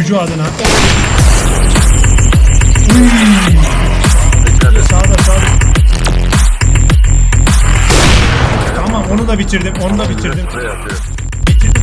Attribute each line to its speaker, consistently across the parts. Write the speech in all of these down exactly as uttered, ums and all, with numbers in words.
Speaker 1: Yüce adına. Sağda sağda. Tamam onu da bitirdim. Onu da bitirdim. Bitirdim.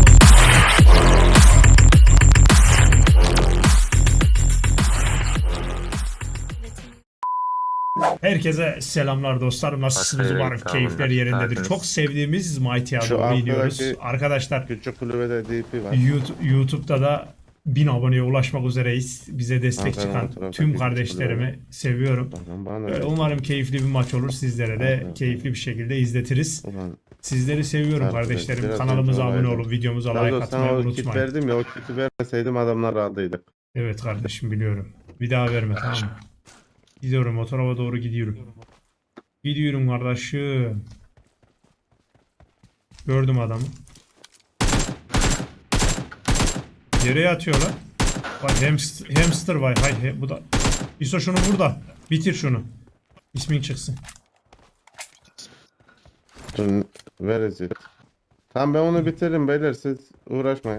Speaker 1: Herkese selamlar dostlar. Nasılsınız? Umarım keyifler yerindedir. Çok sevdiğimiz Mighty Adam'ı biliyoruz. Arkadaşlar
Speaker 2: küçük kulübede D P var.
Speaker 1: YouTube, YouTube'da da bin aboneye ulaşmak üzereyiz. Bize destek
Speaker 2: Aferin,
Speaker 1: çıkan
Speaker 2: aferin,
Speaker 1: tüm
Speaker 2: aferin.
Speaker 1: kardeşlerimi seviyorum. Ee, Umarım keyifli bir maç olur. Sizlere de
Speaker 2: Aferin.
Speaker 1: keyifli bir şekilde izletiriz.
Speaker 2: Ulan,
Speaker 1: Sizleri seviyorum
Speaker 2: Aferin.
Speaker 1: kardeşlerim.
Speaker 2: Biraz
Speaker 1: Kanalımıza
Speaker 2: önce
Speaker 1: abone
Speaker 2: olaydı.
Speaker 1: olun. Videomuza
Speaker 2: Daha
Speaker 1: like
Speaker 2: doğrusu
Speaker 1: atmayı
Speaker 2: sana o kit
Speaker 1: unutmayın.
Speaker 2: verdim ya, o kiti vermeseydim adamlar aldıydık.
Speaker 1: Evet kardeşim biliyorum. Bir daha verme tamam mı? Gidiyorum o tarafa doğru gidiyorum. Gidiyorum kardeşim. Gördüm adamı. Nereye atıyorlar? Vay hamster, hamster vay hay he, bu da. İso şunu burada. Bitir şunu. İsmin çıksın.
Speaker 2: Dur, where is it? Tamam ben onu bitiririm beyler, siz uğraşmayın.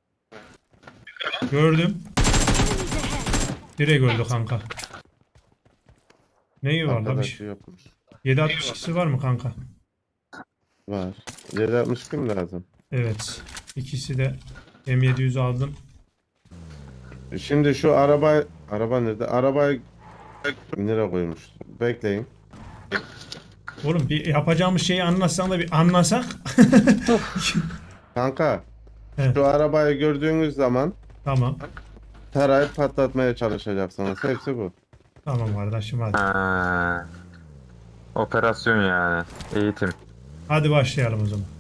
Speaker 1: Gördüm. Direkt öldü kanka. Neyi var la bir
Speaker 2: Arkadaşı
Speaker 1: şey?
Speaker 2: yokmuş.
Speaker 1: yedi altmış ikisi var mı kanka?
Speaker 2: Var. yedi altmış kim lazım?
Speaker 1: Evet. İkisi de M yedi yüz aldım.
Speaker 2: Şimdi şu araba, araba nerede? Arabayı nereye koymuş? Bekleyin.
Speaker 1: Oğlum bir yapacağımız şeyi anlatsan da bir anlasak.
Speaker 2: Kanka,
Speaker 1: Evet.
Speaker 2: şu arabayı gördüğünüz zaman
Speaker 1: Tamam.
Speaker 2: tarayıp patlatmaya çalışacaksınız. Hepsi bu.
Speaker 1: Tamam kardeşim hadi.
Speaker 3: Ha, operasyon yani. Eğitim.
Speaker 1: Hadi başlayalım o zaman.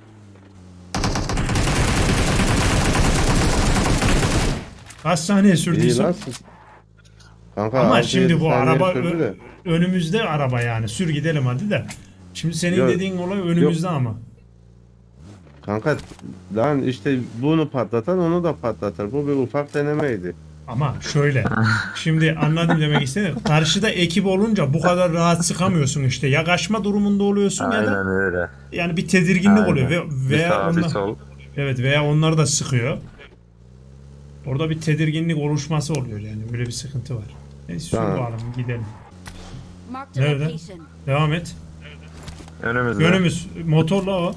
Speaker 1: Kaç saniye sürdü
Speaker 2: İyi
Speaker 1: İso?
Speaker 2: lan siz. Kanka,
Speaker 1: Ama
Speaker 2: altı
Speaker 1: şimdi
Speaker 2: yedi
Speaker 1: bu
Speaker 2: saniye
Speaker 1: araba
Speaker 2: sürdü
Speaker 1: ö-
Speaker 2: de.
Speaker 1: önümüzde araba yani. Sür gidelim hadi de. Şimdi senin
Speaker 2: Yok.
Speaker 1: dediğin olay önümüzde ama.
Speaker 2: Kanka lan işte bunu patlatan onu da patlatır. Bu bir ufak denemeydi.
Speaker 1: Ama şöyle. Şimdi anladım demek istedim. Karşıda ekip olunca bu kadar rahat sıkamıyorsun işte. Ya kaçma durumunda oluyorsun ya
Speaker 3: Aynen
Speaker 1: da
Speaker 3: öyle.
Speaker 1: yani bir tedirginlik
Speaker 3: Aynen.
Speaker 1: oluyor ve
Speaker 3: Bir
Speaker 1: veya
Speaker 3: sağ bir
Speaker 1: onlar,
Speaker 3: sol.
Speaker 1: evet veya onlar da sıkıyor. Orada bir tedirginlik oluşması oluyor yani. Böyle bir sıkıntı var. Neyse sür
Speaker 2: Tamam.
Speaker 1: bakalım gidelim.
Speaker 4: Marked a
Speaker 1: Nerede?
Speaker 4: location.
Speaker 1: Devam et.
Speaker 3: Önümüzde.
Speaker 1: Önümüz motorla o.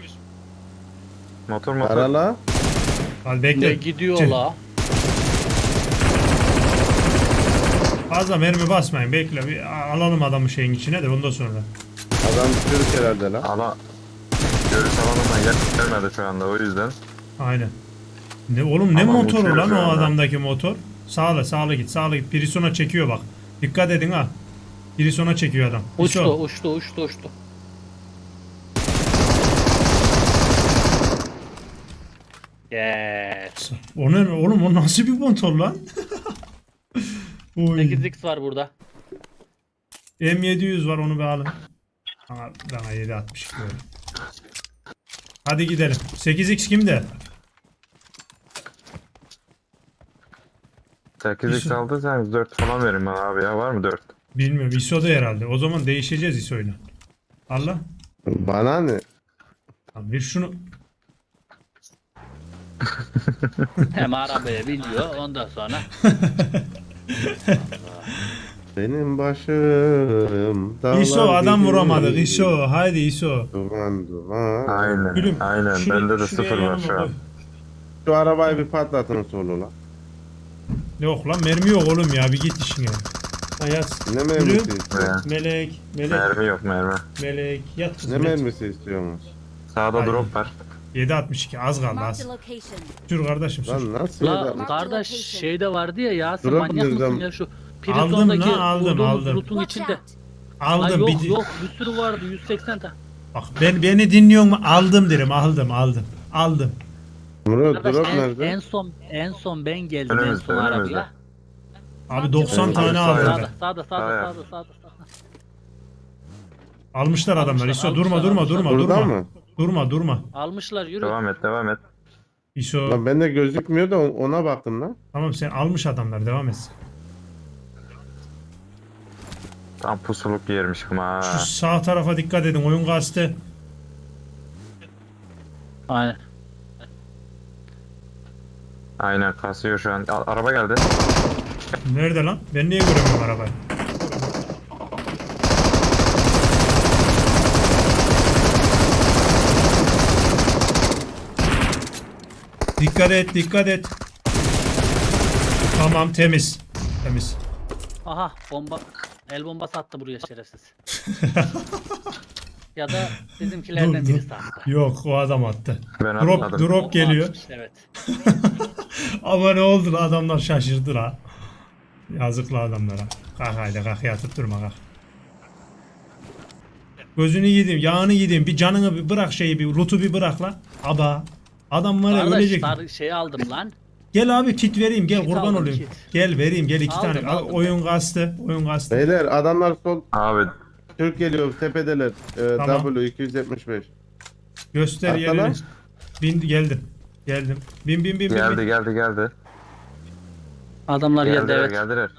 Speaker 3: Motor motor.
Speaker 2: Arala.
Speaker 1: Hadi bekle.
Speaker 5: Ne gidiyor
Speaker 1: Tüh.
Speaker 5: la?
Speaker 1: Fazla mermi basmayın. Bekle bir alalım adamı şeyin içine de ondan sonra.
Speaker 2: Adam Türk herhalde lan.
Speaker 3: Ala. Görüş alanına gel gelmedi şu anda o yüzden.
Speaker 1: Aynen. Ne oğlum ne
Speaker 3: Ama
Speaker 1: motoru
Speaker 3: uçuyor
Speaker 1: lan
Speaker 3: şu
Speaker 1: o
Speaker 3: anda.
Speaker 1: adamdaki motor? Sağla sağla git sağla git. Pirisona çekiyor bak. Dikkat edin ha. Pirisona çekiyor adam.
Speaker 5: Uçtu,
Speaker 1: İso.
Speaker 5: uçtu, uçtu, uçtu. Yes.
Speaker 1: O ne oğlum o nasıl bir motor lan? Oy.
Speaker 5: sekiz x var burada.
Speaker 1: M yedi yüz var onu bir alın. Bana, bana yedi altmış iki böyle. Hadi gidelim. sekiz x kimde?
Speaker 3: sekiz x
Speaker 1: İso.
Speaker 3: aldıysanız dört falan verin bana abi ya. Var mı dört?
Speaker 1: Bilmiyorum. İso'da herhalde. O zaman değişeceğiz İso'yla. Allah.
Speaker 2: Bana ne?
Speaker 1: Tamam, bir şunu.
Speaker 5: Hem arabaya biniyor ondan sonra.
Speaker 2: Benim başım dağlar
Speaker 1: İso adam
Speaker 2: gibi.
Speaker 1: vuramadık. İso. Haydi İso.
Speaker 2: Duman duman.
Speaker 3: Aynen.
Speaker 1: Gülüm.
Speaker 3: Aynen.
Speaker 1: şuraya-
Speaker 3: Bende de
Speaker 1: şuraya
Speaker 3: sıfır var
Speaker 1: yanıma
Speaker 3: şu an.
Speaker 1: koy.
Speaker 2: Şu arabayı bir patlatın solu lan.
Speaker 1: Yok lan mermi yok oğlum ya. Bir git işine. Ayaz.
Speaker 2: Ne
Speaker 1: Gülüm.
Speaker 2: mermisi istiyorsunuz?
Speaker 3: Ne?
Speaker 1: Melek. Melek.
Speaker 3: Mermi yok mermi.
Speaker 1: Melek. Yat
Speaker 2: Ne
Speaker 1: kızım. yat.
Speaker 2: mermisi istiyorsunuz?
Speaker 3: Sağda
Speaker 1: Aynen.
Speaker 3: drop var.
Speaker 1: yedi altmış iki az kaldı
Speaker 4: Marked
Speaker 1: az.
Speaker 4: a location.
Speaker 1: Sür kardeşim sür.
Speaker 2: Lan nasıl
Speaker 5: La
Speaker 2: yedi-
Speaker 5: kardeş şeyde vardı ya Yasin,
Speaker 2: Drop
Speaker 5: manyak mısın
Speaker 2: nereden-
Speaker 5: ya şu
Speaker 1: Aldım
Speaker 5: Prison'daki
Speaker 1: lan, aldım,
Speaker 5: vurduğumuz
Speaker 1: aldım.
Speaker 5: loot'un
Speaker 4: Watch
Speaker 5: içinde.
Speaker 4: out.
Speaker 5: La
Speaker 1: Aldım.
Speaker 5: yok
Speaker 1: bir,
Speaker 5: yok bir sürü vardı yüz seksen tane.
Speaker 1: Bak ben, beni dinliyor mu? Aldım derim. Aldım aldım. Aldım.
Speaker 2: Murat
Speaker 5: Arkadaş,
Speaker 2: drop
Speaker 5: en,
Speaker 2: nerede?
Speaker 5: en son en son ben geldim en
Speaker 3: Önümüzde,
Speaker 5: son
Speaker 3: önümüzde.
Speaker 5: arabaya.
Speaker 1: Abi doksan
Speaker 2: Evet,
Speaker 1: tane
Speaker 2: sağ
Speaker 1: aldım.
Speaker 5: Sağda
Speaker 1: ben.
Speaker 5: sağda
Speaker 3: Sağ
Speaker 5: sağda
Speaker 3: yap.
Speaker 5: sağda sağda. sağda.
Speaker 1: Almışlar adamlar.
Speaker 5: Almışlar,
Speaker 1: İso durma
Speaker 5: almışlar,
Speaker 1: durma
Speaker 5: almışlar.
Speaker 1: durma
Speaker 2: Burada
Speaker 1: durma.
Speaker 2: mı?
Speaker 1: Durma durma.
Speaker 5: Almışlar yürü.
Speaker 3: Devam et devam et.
Speaker 1: İso.
Speaker 2: Lan bende gözükmüyor da ona baktım lan.
Speaker 1: Tamam sen almış adamlar devam et.
Speaker 3: Tam pusuluk yermişim ha.
Speaker 1: Şu sağ tarafa dikkat edin. Oyun kastı.
Speaker 5: Aynen.
Speaker 3: Aynen kasıyor şu an. A- araba geldi.
Speaker 1: Nerede lan? Ben niye göremiyorum arabayı? Dikkat et, dikkat et. Tamam, temiz. Temiz.
Speaker 5: Aha bomba. El bombası attı buraya şerefsiz. Ya da bizimkilerden
Speaker 1: Dur, dur.
Speaker 5: birisi attı.
Speaker 1: Yok, o adam attı.
Speaker 3: Ben
Speaker 1: Drop,
Speaker 3: atmadım.
Speaker 1: drop
Speaker 5: O
Speaker 1: geliyor.
Speaker 5: atmış, evet.
Speaker 1: Ama ne oldu lan, adamlar şaşırdı la. Yazıklı adamlara. Kalk haydi kalk, yatıp durma kalk. Gözünü yedim, yağını yedim. Bir canını bir bırak, şeyi bir loot'u bir bırak la. Aba. Adam var ya,
Speaker 5: Kardeş
Speaker 1: ölecek.
Speaker 5: dar şey aldım lan.
Speaker 1: Gel abi, kit vereyim, gel
Speaker 5: Kit
Speaker 1: kurban
Speaker 5: aldım,
Speaker 1: olayım.
Speaker 5: kit.
Speaker 1: Gel vereyim, gel iki
Speaker 5: Aldım,
Speaker 1: tane.
Speaker 5: aldım
Speaker 1: Oyun kastı, oyun kastı.
Speaker 2: Beyler adamlar sol
Speaker 3: Abi
Speaker 2: Türk geliyor tepedeler. Ee,
Speaker 1: Tamam.
Speaker 2: W iki yüz yetmiş beş.
Speaker 1: Göster
Speaker 2: Atla
Speaker 1: yerini.
Speaker 2: lan.
Speaker 1: Bin, geldim. Geldim. Bin bin bin bin.
Speaker 3: geldi
Speaker 1: bin.
Speaker 3: geldi geldi.
Speaker 5: Adamlar geldi,
Speaker 3: Geldiler
Speaker 5: evet.
Speaker 3: geldiler.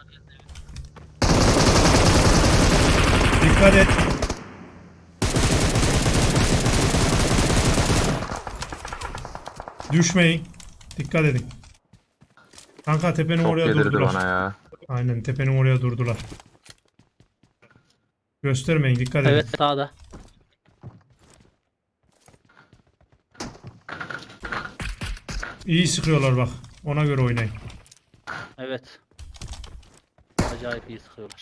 Speaker 1: Dikkat et. Düşmeyin. Dikkat edin. Kanka tepenin
Speaker 3: Çok
Speaker 1: oraya
Speaker 3: yedirdi
Speaker 1: durdular.
Speaker 3: bana ya.
Speaker 1: Aynen, tepenin oraya durdular. Göstermeyin, dikkat edin.
Speaker 5: Evet sağda.
Speaker 1: İyi sıkıyorlar bak. Ona göre oynayın.
Speaker 5: Evet. Acayip iyi sıkıyorlar.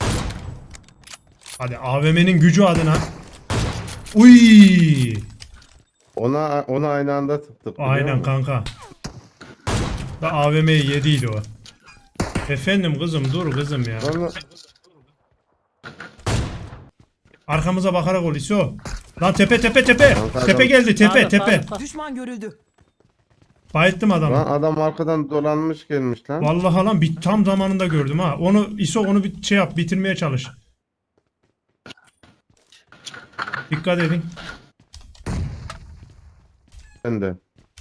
Speaker 1: Hadi A V M'nin gücü adına. Uy!
Speaker 2: Ona ona aynı anda tıktık. biliyor
Speaker 1: Aynen
Speaker 2: musun?
Speaker 1: kanka. Da A V M'yi yediydi o. Efendim kızım, dur kızım ya.
Speaker 2: Sonra
Speaker 1: Arkamıza bakarak ol İso. Lan tepe tepe tepe.
Speaker 2: Kanka
Speaker 1: Tepe
Speaker 2: adam-
Speaker 1: geldi, tepe
Speaker 5: Sağda,
Speaker 1: tepe.
Speaker 5: sağda, sağda.
Speaker 4: Düşman görüldü.
Speaker 1: Bayıttım adamı.
Speaker 2: lan adam arkadan dolanmış gelmiş lan.
Speaker 1: Vallahi lan, bir tam zamanında gördüm ha. Onu İso, onu bir şey yap, bitirmeye çalış. Dikkat edin.
Speaker 2: Ben de.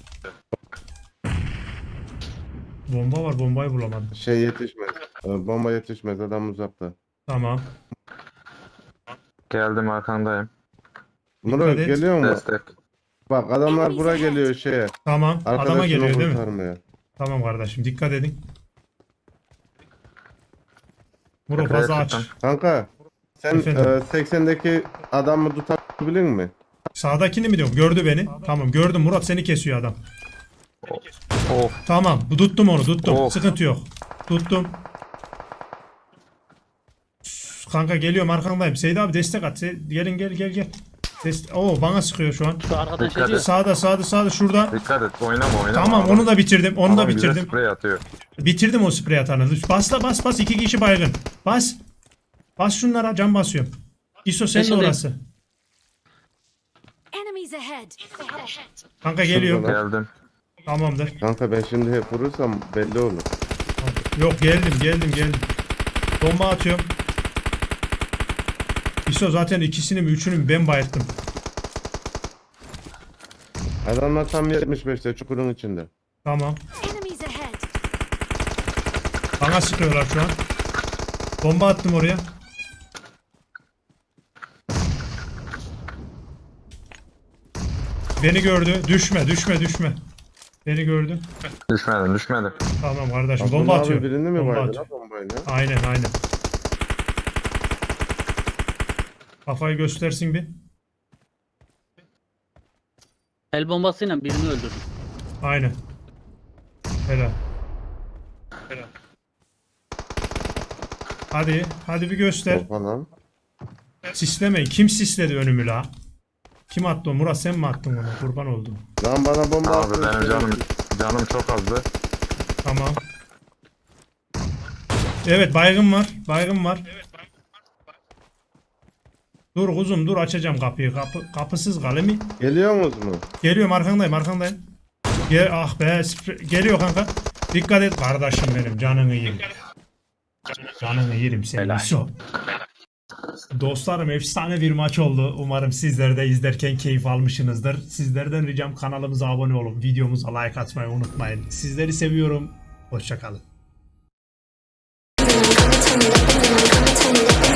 Speaker 1: Bomba var, bombayı bulamadım.
Speaker 2: Şey yetişmez. Ee, Bomba yetişmez, adam uzakta.
Speaker 1: Tamam.
Speaker 3: Geldim arkandayım.
Speaker 2: Murat
Speaker 1: et.
Speaker 2: geliyor mu?
Speaker 3: Destek.
Speaker 2: Bak adamlar buraya geliyor şeye.
Speaker 1: Tamam. Adama
Speaker 2: Arkadaşını
Speaker 1: geliyor değil mi?
Speaker 2: kurtarmaya.
Speaker 1: Tamam kardeşim, dikkat edin. Muro
Speaker 3: Tepeye
Speaker 1: fazla aç.
Speaker 3: çıktım.
Speaker 2: Kanka sen
Speaker 1: Efendim?
Speaker 2: e, seksendeki adamı tutabilir mi?
Speaker 1: Sağdakini mi diyorum? Gördü beni. Tamam gördüm. Murat seni kesiyor adam.
Speaker 3: Of.
Speaker 1: Tamam. Bu tuttum onu. Tuttum.
Speaker 3: Of.
Speaker 1: Sıkıntı yok. Tuttum. Kanka geliyorum, arkandayım. Seyit abi destek at. Seyit- Gelin gel gel gel. Dest Oo, bana sıkıyor şu an.
Speaker 5: Şu arkadan
Speaker 3: Dikkat
Speaker 5: şey diyor.
Speaker 3: et.
Speaker 1: Sağda sağda sağda şurada.
Speaker 3: Dikkat et oynama oynama.
Speaker 1: Tamam,
Speaker 3: Adam-
Speaker 1: onu da bitirdim. Onu da
Speaker 3: adam bize
Speaker 1: bitirdim.
Speaker 3: sprey atıyor.
Speaker 1: Bitirdim o sprey atanı. Basla bas bas, iki kişi baygın. Bas. Bas şunlara, can basıyorum. İso senin
Speaker 5: Yeşildeyim.
Speaker 1: orası.
Speaker 6: Enemies ahead.
Speaker 1: Kanka geliyor.
Speaker 2: Şurada.
Speaker 3: Geldim.
Speaker 1: Tamamdır.
Speaker 2: Kanka ben şimdi hep vurursam belli olur.
Speaker 1: Yok, geldim geldim geldim. Bomba atıyorum. İso zaten ikisini mi üçünü mü ben bayılttım.
Speaker 2: Adamlar tam yetmiş beşte çukurun içinde.
Speaker 1: Tamam.
Speaker 6: Enemies ahead.
Speaker 1: Bana sıkıyorlar şu an. Bomba attım oraya. Beni gördü. Düşme düşme düşme. Beni gördü.
Speaker 3: Düşmedim düşmedim.
Speaker 1: Tamam kardeşim,
Speaker 2: Abdullah
Speaker 1: bomba
Speaker 2: abi
Speaker 1: atıyor.
Speaker 2: birini mi
Speaker 1: Bomba
Speaker 2: baydı
Speaker 1: atıyor.
Speaker 2: lan bombayla?
Speaker 1: Aynen aynen. Kafayı göstersin bir.
Speaker 5: El bombasıyla birini öldürdüm.
Speaker 1: Aynen. Helal. Helal. Hadi, hadi bir göster.
Speaker 2: Oha lan.
Speaker 1: Sislemeyin. Kim sisledi önümü la? Kim attı o? Murat sen mi attın onu? Kurban oldum.
Speaker 2: Lan bana bomba
Speaker 3: Abi
Speaker 2: attı.
Speaker 3: benim canım canım çok azdı.
Speaker 1: Tamam. Evet, baygın var. Baygın var. Dur kuzum dur, açacağım kapıyı. Kapı, kapısız kalemi.
Speaker 2: Geliyor musunuz mu?
Speaker 1: Geliyorum, arkandayım arkandayım. Gel, ah be spre- geliyor kanka. Dikkat et kardeşim benim, canını yerim. Canını yerim senin.
Speaker 5: Helal.
Speaker 1: İso. Dostlarım, efsane bir maç oldu. Umarım sizler de izlerken keyif almışsınızdır. Sizlerden ricam, kanalımıza abone olun. Videomuza like atmayı unutmayın. Sizleri seviyorum. Hoşça kalın.
Speaker 6: Turn it up, turn it up, turn it up.